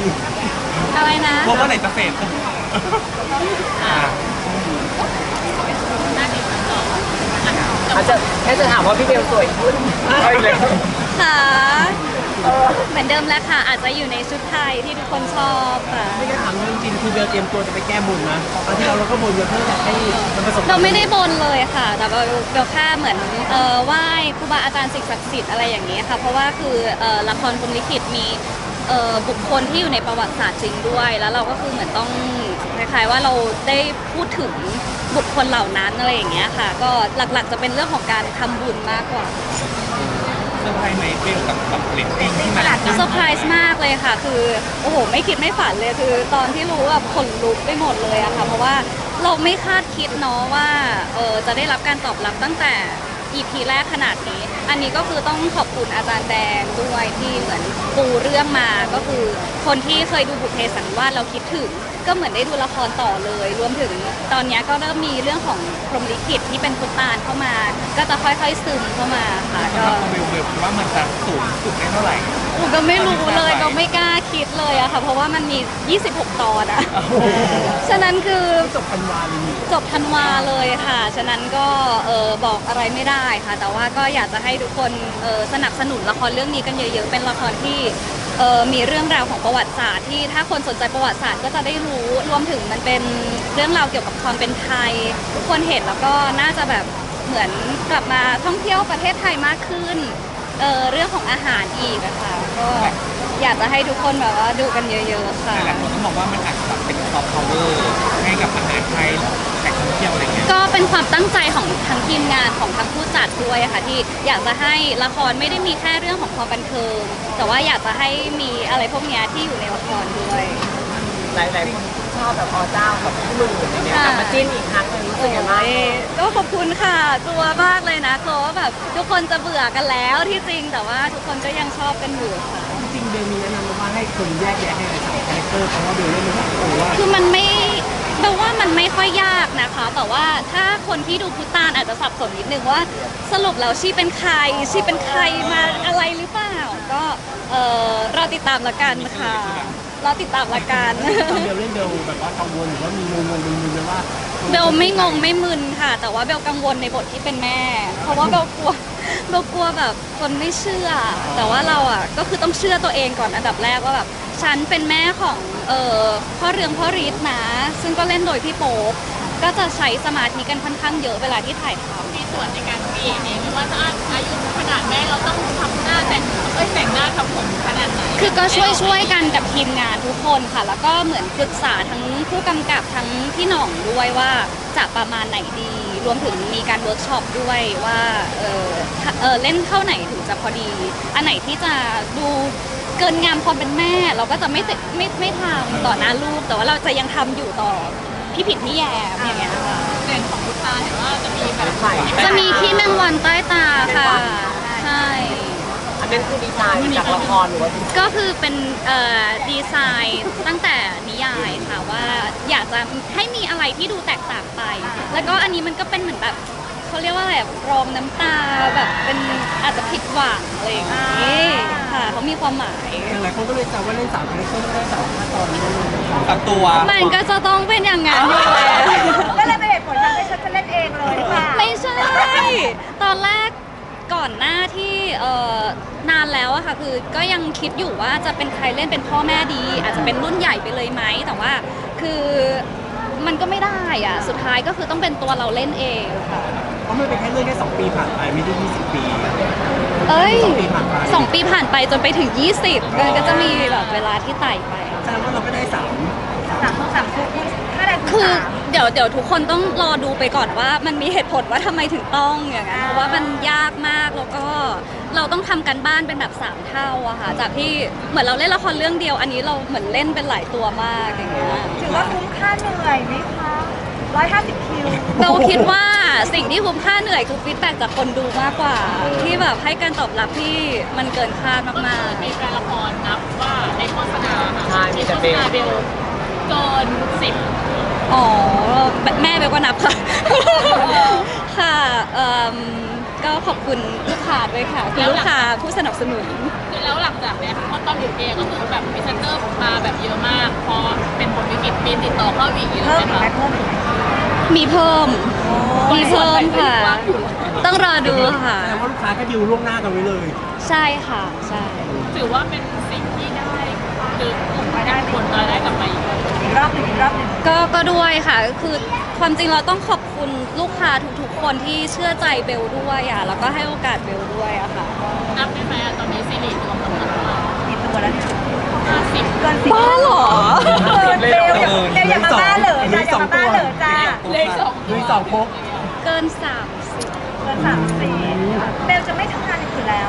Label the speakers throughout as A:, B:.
A: อะไรนะ
B: พวกเมื่อไหร่จะเสร็จ
C: อาจจะแค่จะถามว่าพี่เบลสวยขึ้นเอาอีกแล้ว
A: ค่ะเหมือนเดิมแล้วค่ะอาจจะอยู่ในชุดไทยที่ทุกคนชอบค่ะ
D: ไม่ได้ถามเรื่องจริงคือเบลเตรียมตัวจะไปแก้บนนะตอนที่เราก็บนเยอะเพื่ออยากให้มันประสบความ
A: เราไม่ได้บนเลยค่ะแต่เราแค่เหมือนไหว้ครูบาอาจารย์สิ่งศักดิ์สิทธิ์อะไรอย่างนี้ค่ะเพราะว่าคือละครพรหมลิขิตมีบุคคลที่อยู่ในประวัติศาสตร์จริงด้วยแล้วเราก็คือเหมือนต้องคล้ายๆว่าเราได้พูดถึงบุคคลเหล่านั้นอะไรอย่างเงี้ยค่ะก็หลักๆจะเป็นเรื่องของการทำบุญมากกว่า
B: เซอร์ไพรส์ไหมเบลกับเรตติ้งที่มัน
A: เซอร์ไพรส์มากเลยค่ะคือโอ้โหไม่คิดไม่ฝันเลยคือตอนที่รู้แบบขนลุกไปหมดเลยอะค่ะเพราะว่าเราไม่คาดคิดเนาะว่าจะได้รับการตอบรับตั้งแต่ EP แรกขนาดนี้อันนี้ก็คือต้องขอบคุณอาจารย์แดงด้วยที่เหมือนปูเรื่องมาก็คือคนที่เคยดูบุพเพสันนิวาสเราคิดถึงก็เหมือนได้ดูละครต่อเลยรวมถึงตอนนี้ก็เริ่มมีเรื่องของพรหมลิขิตที่เป็นคุณตาลเข้ามาก็จะค่อยๆซึมเข้ามาค่ะ
B: สำห
A: ก็
B: รับเบลคิดว่ามันจะสูงสุดได้เท่าไหร่
A: หนูก็ไม่รู้เลยก็ไม่กล้าคิดเลยอะค่ะเพราะว่ามันมี 26 ตอนอะฉะนั้นคือ
D: จบพันวาเลยนี่
A: จบธันวาเลยค่ะฉะนั้นก็บอกอะไรไม่ได้ค่ะ แต่ว่าก็อยากจะให้ทุกคนสนับสนุนละครเรื่องนี้กันเยอะๆเป็นละครที่มีเรื่องราวของประวัติศาสตร์ที่ถ้าคนสนใจประวัติศาสตร์ก็จะได้รู้รวมถึงมันเป็นเรื่องราวเกี่ยวกับความเป็นไทยทุกคนเห็นแล้วก็น่าจะแบบเหมือนกลับมาท่องเที่ยวประเทศไทยมากขึ้นเรื่องของอาหารอีกอะค่ะก็อยากจะให้ทุกคนแบบว่าดูกันเยอะๆค่ะ
B: หลายคนก็มองว่ามันอาจจะแบบเป็นซอฟต์พาวเวอร์ให้กับอาหารไทยแหล่งท่องเที่ยวอะไรเงี้ย
A: ก็เป็นความตั้งใจของทั้งทีมงานของทั้งผู้จัดด้วยอะค่ะที่อยากจะให้ละครไม่ได้มีแค่เรื่องของความบันเทิงแต่ว่าอยากจะให้มีอะไรพวกเนี้ยที่อยู่ในละครด้วย
C: หลายๆคนชอบแบบเจ้ากับพี่หมื่นอย่างเงี้ยกลับมาจิ้นอีกครั้งหนึงรู้สึกยังไงบ้าง
A: ก็ขอบคุณค่ะกลัวมากเลยนะกลัวว่าแบบทุกคนจะเบื่อกันแล้วที่จริงแต่ว่าทุกคนก็ยังชอบกันอยู่ค่ะ
D: จริงๆเบลมีแนะนำว่าให้คนแยกแยะให้สามคาแรคเตอร์เพราะว่าเบลเล่นไม่ได้ว่า
A: คือมันไม่แปลว่ามันไม่ค่อยยากนะคะ แต่ว่าถ้าคนที่ดูพุตานอาจจะสับสนนิดนึงว่าสรุปแล้วชีเป็นใครชีเป็นใครมาอะไรหรือเปล่าก็เราติดตามละกันค่ะเราติดตามละกัน
D: ตอนเบลเล่นเบลแบบว่ากังวลหรือว่ามีงงมึนๆเลยว่า
A: เบลไม่งงไม่มึนค่ะ แต่ว่าเบลกังวลในบทที่เป็นแม่ เพราะว่าเบลกลัวเบลกลัวแบบคนไม่เชื่อ แต่ว่าเราอ่ะก็คือต้องเชื่อตัวเองก่อนอันดับแรกว่าแบบฉันเป็นแม่ของพ่อเรืองพ่อฤทธิ์นะ ซึ่งก็เล่นโดยพี่โป๊ปก็จะใช้สมาธิกันค่อนข้างเยอะเวลาที่ถ่ายทำ
E: มีส่วนในการเปลี่ยนเองไม่ว่าจะอายุขนาดแม่เราต้องทำหน้าแต่งหน้าทำผมขนาดไหน
A: คือก็ช่วยกันกับทีมงานทุกคนค่ะ แล้วก็เหมือนปรึกษาทั้งผู้กำกับทั้งพี่หน่องด้วยว่าจะประมาณไหนดี รวมถึงมีการเวิร์กช็อปด้วยว่าเล่นเท่าไหนถึงจะพอดี อันไหนที่จะดูเกินงามความเป็นแม่ เราก็จะไม่ทำต่อหน้าลูก แต่ว่าเราจะยังทำอยู่ต่อพี่ผิดพี่แยมอย่างเงี้ยค่ะ
E: เด่นของคุณตาเห็นว่าจะมีแบบ
C: ใส่
A: จะมีขี้แมงวันใต้ตาค่ะ ใช่
C: อันนั้นคือดีไซน์จากละครหรือว่า
A: ก็คือเป็นดีไซน์ตั้งแต่นิยายค่ะว่าอยากจะให้มีอะไรที่ดูแตกต่างไป แล้วก็อันนี้มันก็เป็นเหมือนแบบเขาเรียกว่าอะไรแบบรองน้ำตาแบบเป็นอาจจะผิดหวังอะไรอย่างนี้ค่ะเขามีความหมาย
D: หลายคนก็เลยจำว่าเล่นสามคาแรคเตอร์ไม่ได้สามตอนนี้
B: ตัดตัว
A: มันก็จะต้องเป็นอย่างนั้นอยู่แล้ว
E: ก็เลยเป็นเหตุผลทำให้ฉันจะเล่นเองเลยค่ะ
A: ไม่ใช่ ตอนแรกก่อนหน้าที่นานแล้วอะค่ะคือก็ยังคิดอยู่ว่าจะเป็นใครเล่นเป็นพ่อแม่ดี อาจจะเป็นรุ่นใหญ่ไปเลยไหมแต่ว่าคือมันก็ไม่ได้อะสุดท้ายก็คือต้องเป็นตัวเราเล่นเองค่ะ
D: เพราะมันเป็นแค่เรื่องแค่2 ปีผ่านไปไม่ได้20 ปี
A: เอ้ย
D: 2 ปีผ่านไป
A: 2 ปีผ่านไปจนไปถึง 20มันก็จะมีแบบเวลาที่ไต่ไป
D: แสดงว่าเราก็ได้3
E: สามคู่ถ้าได้
A: คือเดี๋ยวทุกคนต้องรอดูไปก่อนว่ามันมีเหตุผลว่าทำไมถึงต้องอย่างนั้นเพราะว่ามันยากมากแล้วก็เราต้องทำกันบ้านเป็นแบบ3 เท่าอะค่ะจากที่เหมือนเราเล่นละครเรื่องเดียวอันนี้เราเหมือนเล่นเป็นหลายตัวมากอย่างเงี้ย
E: ถือว่าคุ้มค่าเหนื่อยไหมคะ150 คิว
A: เราคิดว่าสิ่งที่คุ้มค่าเหนื่อยคือฟีดแบ็กจากคนดูมากกว่า ที่แบบให้การตอบรับที่มันเกินคาดมากๆ
E: มีแฟนละครนับว่าในโฆษณา
C: ใช่มี
E: มี
C: แต่
E: โฆษ
C: เบล
E: ณาเบลเกิน10
A: อ๋อแม่เบลก็นับค่ะ ค่ะก็ขอบคุณลูกค้าด้วยค่ะคือลูกค้าผู้สนับสนุน
E: แล้วหลังจากเนี้ยเพราะตอนอยู่เองก็คือแบบพรีเซนเตอร์มาแบบเติดต่อเข้าอีกเยอะ
F: เพิ่ม
E: ไหม
F: อีกไหม
E: คะ
F: เพิ่มอีกไหม
A: มีเพิ่มค่ะ ต้องรอดูค่ะ
D: แสดงว่าลูกค้าก็ดิวล่วงหน้ากันไว้เลย
A: ใช่ค่ะใช่
E: ถือว่าเป็นสิ่งที่ได้หรือกลุ่มได้ผลรายได้กลับมาอีก
F: อีกรอบหนึ่งอีกรอบหนึ่ง
A: ก็ด้วยค่ะคือความจริงเราต้องขอบคุณลูกค้าทุกๆคนที่เชื่อใจเบลด้วยอ่ะแล้วก็ให้โอกาสเบลด้วยอะค่ะ
E: นับได้ไหมอะตอนนี้ซีรีส์รวมทั้งหมดเท่าไหร่
F: มีตัวแล้วเนี่ย
E: 50
F: เกินสิบ
A: บ้าเหรอ
F: เกินเร็วอย่ามาบ้าเหรอจ้าอย่ามาบ้าเหรอจ้า
E: เลขสอง
D: ลุยสองพก
A: เกิน
F: เกิน34เบลจะไม่ทำงานอย่างอื่นแล้ว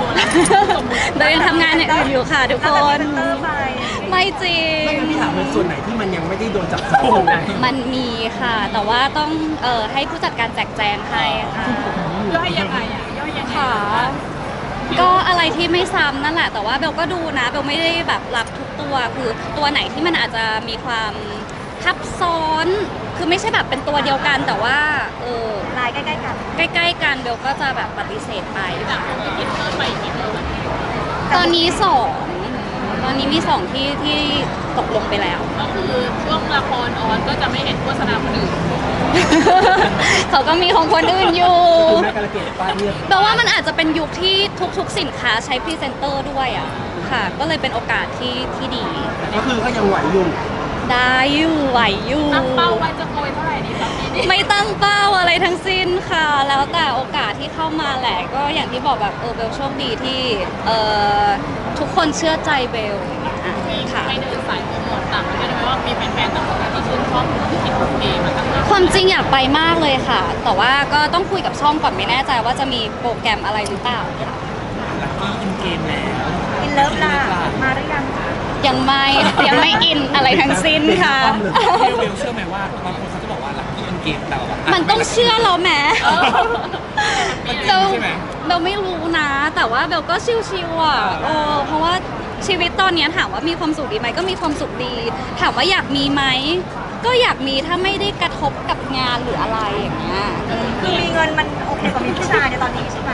A: 30เบลยังทำงานอย่างอื่นอยู่ค่ะทุก
F: แล้ว
A: ค
F: จะมี
A: น
F: เซ็นเตอร์ไป
A: ไม่จริง
D: ไม่งั้นพี่ถามเป็นส่วนไหนที่มันยังไม่ได้โดนจับจองนะ
A: มันมีค่ะ แต่ว่าต้องให้ผู้จัดการแจกแจงให้ค่ะ
E: ย่อยยังไงอ่ะย่อยยังไง
A: ค่ะ ก็อะไรที่ไม่ซ้ำนั่นแหละ แต่ว่าเบลก็ดูนะเบลไม่ได้แบบรับทุกตัวคือตัวไหนที่มันอาจจะมีความทับซ้อน คือไม่ใช่แบบเป็นตัวเดียวกัน แต่ว่า
F: ลายใกล้ๆกัน
A: ใกล้ๆกันเบลก็จะแบบปฏิเสธไป
E: จากคนที่คิดเพิ่มไปอีกนิดนึง
A: ตอนนี้มีสองที่ตกลงไปแล้ว
E: ก็คือช่วงละครออนก็จะไม่เห็นโฆษณาคนอื่น
A: เขาก็มีของคนอื่นอยู่
D: คือแม่กระเกดป้าเรียบ
A: แปลว่ามันอาจจะเป็นยุคที่ทุกๆสินค้าใช้พรีเซนเตอร์ด้วยอ่ะค่ะ ก็เลยเป็นโอกาสที่ดี
D: ก็คือก็ยังไหวอยู่
A: ได้อยู่ไหวอยู่
E: ตั้งเป้าไว้จะโกยเท่าไหร่ดีครับพี่
A: ไม่ตั้งเป้าอะไรทั้งสิ้นค่ะ แล้วแต่โอกาสที่เข้ามาแหละ ก็อย่างที่บอกแบบเบลโชคดีที่ทุกคนเชื่อใจเบลอย่างเงี้ย
E: มี
A: ค่ะ
E: ให้เดินสายโปรโมทต่างประเทศไหมว่ามีแฟนๆต่างประเทศที่ชื่นชอบที่คิดของเกมมาตั้งนาน
A: ความจริงอยากไปมากเลยค่ะ แต่ว่าก็ต้องคุยกับช่องก่อนไม่แน่ใจว่าจะมีโปรแกรมอะไรหรือเปล่าค่ะ
B: ลักกี้อินเกมแล้ว
F: อินเลิฟล่ะมาหรือยัง
A: ยังไม่อินอะไรทั้งสิ้นค่ะ
B: เบลเชื่อไหมว่าบางคนเขาจะบอกว่าลักกี้อินเกมแต่ว่า
A: มันต้องเชื่อเราแหม
B: มันจ
A: เบ
B: ริง
A: ล
B: ใช่ไหม
A: เบลไม่รู้นะ แต่ว่าเบลก็ชิวๆอ่ะเพราะว่าชีวิตตอนเนี้ยถามว่ามีความสุขดีไหมก็มีความสุขดี ถามว่าอยากมีไหมก็อยากมีถ้าไม่ได้กระทบกับงานหรืออะไรอย่างเงี้ย
F: คือมีเงินมันโอเคกว่ามีผู้ชายในตอนนี้ใช่ไหม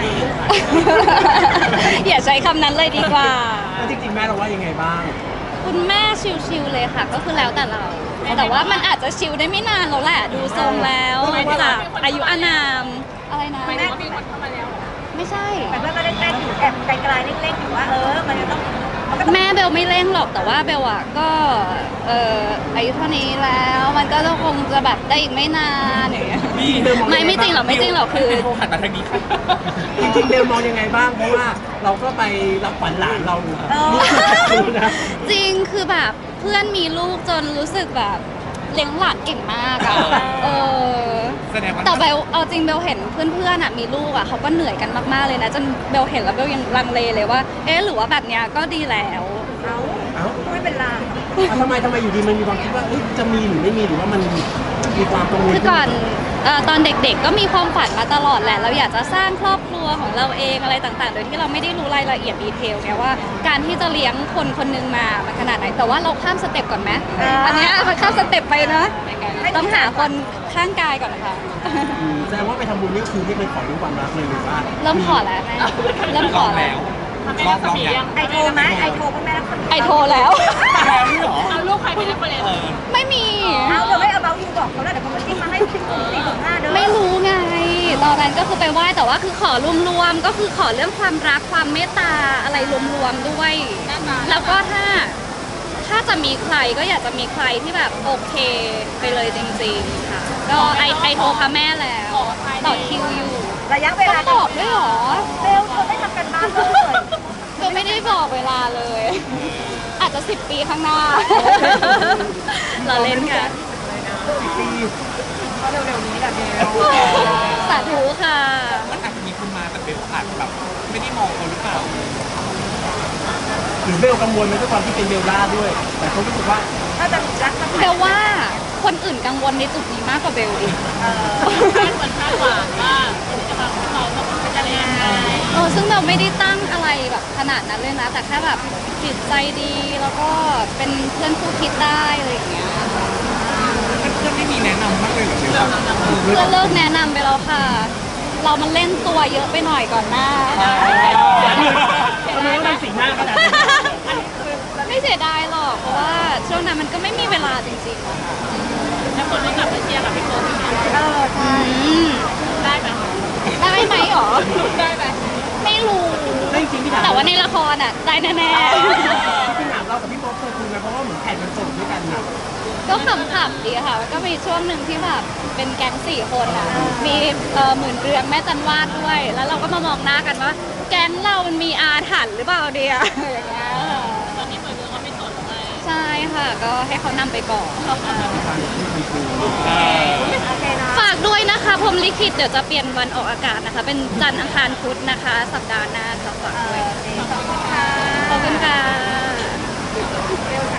A: อย่าใช้คำนั้นเลยดีกว่า
D: แล้วจริงๆแม่เราว่ายังไงบ้าง
A: คุณแม่ชิลๆเลยค่ะ ก็คือแล้วแต่เรา แต่ว่ามันอาจจะชิลได้ไม่นานแล้วแหละ ดูทรงแล้วจากอายุอานามอะไรนะ
E: ไม่ได้ว่ามีคนเข้ามาแล้ว
A: ไม่ใช่
F: แต่เพื่อนก็เล่นๆอยู่แอบไกลๆเล็กๆอยู่ว่ามันจะต้องมันก็ต้อง
A: แม่เบลไม่เร่งหรอกแต่ว่าเบลอะก็อายุเท่านี้แล้วมันก็คงจะแบบได้อีกไม่นานอย่างเงี้ย ไม่จริงหรอกไม่จริงหรอกคือ
B: โทรหันมาทางนี้ค่ะ
D: จริงๆเบลมองยังไงบ้าง เพราะว่าเราก็ไปรับขวัญหลานเราอยู่ครับนะ
A: จริงคือแบบเพื่อนมีลูกจนรู้สึกแบบเลี้ยงหลานเก่งมากอะ
B: แสดงว่า
A: แต่เบลเอาจริงเบลเห็นเพื่อนๆอะมีลูกอะเขาก็เหนื่อยกันมากๆเลยนะจนเบลเห็นแล้วเบลยังลังเลเลยว่าหรือว่าแบบเนี้ยก็ดีแล้ว
F: เอา
D: เอ้า
F: ไม่เป็นไร
D: ทำไมอยู่ดีมันมีความคิดว่าเอ้ยจะมีหรือไม่มีหรือว่ามันมีความกังวล
A: คือก่อนตอนเด็กๆก็มีความฝันมาตลอดแหละ เราอยากจะสร้างครอบครัวของเราเองอะไรต่างๆ โดยที่เราไม่ได้รู้รายละเอียดดีเทลเนี่ยว่าการที่จะเลี้ยงคนคนหนึงมามันขนาดไหน แต่ว่าเราข้ามสเต็ปก่อนไหมอันเนี้ยมันข้ามสเต็ปไปเนอะต้องหาคนข้างกายก่อนนะคะ
D: แสดงว่าไปทำบุญนี่คือไม่เคยขอเรื่องความรักเลยหรือว่า
A: เริ่มขอแล้วแม่เริ่มข
B: ล
A: อ
B: อง
A: แล้
B: แล้ว ว
E: ทำให้เราสมียัง
F: ไอโทรไหมไอโทรพ่อแม่รักคน
A: ไอโทรแล้ว
B: แล้วนี่เหรอ
E: เอาลูกใครเป็นเรฟเฟรนซ์
A: ไม่มี
F: เอาเดี๋ยวไม่เอาเบาอยู่บอกเขาแล้วเดี๋ยวเขามาจิ้มมาให้4.5เด้อ
A: ไม่รู้ไง ตอนนั้นก็คือไปไหว้แต่ว่าคือขอรวมๆก็คือขอเรื่องความรักความเมตตาอะไรรวมๆด้วย แล้วก็ถ้าจะมีใครก็อยากจะมีใครที่แบบโอเคไปเลยจริงๆค่ะ ก็ไอโทรพระแม่แล้วต่อคิวอยู่
F: ระยะเว
A: ต้
F: ลา
A: องบอกด้วยเหรอ
F: เบลเธอไม่ทำกันบ้านเลย
A: เบลไม่ได้บอกเวลาเลย อาจจะ10 ปีข้างหน้า เราเล่นกัน
D: ปี
F: เร็วๆนี้แหละเบล
A: สาธุค่ะ
B: มันอาจจะมีคนมาแต่เบลอาจแบบไม่ได้มองเขาหรือเปล่า
D: หรือเบลกังวลไหมด้วยความที่เป็นเบลล่าด้วย แต่เขารู้สึกว่า
F: ถ้าจะรักสัก
A: เบลว่าคนอื่นกังวลในจุดนี้มากกว่าเบลอีก
E: คาดหวังว่าคนที่จะมาของเราต้องเป็นอะไรยังไง
A: ซึ่งเราไม่ได้ตั้งอะไรแบบขนาดนั้นเลยนะ แต่แค่แบบจิตใจดีแล้วก็เป็นเพื่อนคู่คิดได้อะไรอย่างเงี้ย
B: เพื่อนๆไม่มีแนะนำบ้างเลยเหรอเบล
A: เพื่อนเลิกแนะนำไปแล้วค่ะ เรามันเล่นตัวเยอะไปหน่อยก่อนหน้า
D: ทำไมต้องทำสีหน้าขนาดนั้น
A: ไม่เสียดายหรอกเพราะว่าช่วงนั้นมันก็ไม่มีเวลาจริงๆอะค่ะ
E: แล้วคนก็กลับมาเชียร์กับพี่โป๊ปอีก
A: อืม
E: ได้ไหม
A: ได้ไหมหรอ
E: ได้ไหม
A: ไม่รู้
D: แล้วจริงๆพี่ถาม
A: แต่ว่าในละครอ่ะได้แน่
D: พี่ถามเรากับพี่โป๊ปเคยคุยกันเพราะว่าเหมือนแผนมันส่งด้วยกันนะ
A: ๆก็ขำๆดีค่ะมันก็มีช่วงหนึ่งที่แบบเป็นแก๊ง4 คนอ่ะมีหมื่นเรืองแม่จันวาดด้วย แล้วเราก็มามองหน้ากันว่า แก๊งเรามันมีอาถรรพ์หรือเปล่าเดียอย่างเงี้ยค่ะ
E: ตอนนี้เหมือนเดิมเขาไม่สนเลย
A: ใช่ค่ะก็ให้เขานำไปก่อน
F: โอเคนะ
A: ฝากด้วยนะคะพรหมลิขิตเดี๋ยวจะเปลี่ยนวันออกอากาศนะคะ เป็นจันทร์อังคารพุธนะคะ สัปดาห์หน้าจะฝากด้วย
F: ขอบคุณค่ะ
A: ขอบคุณค่ะ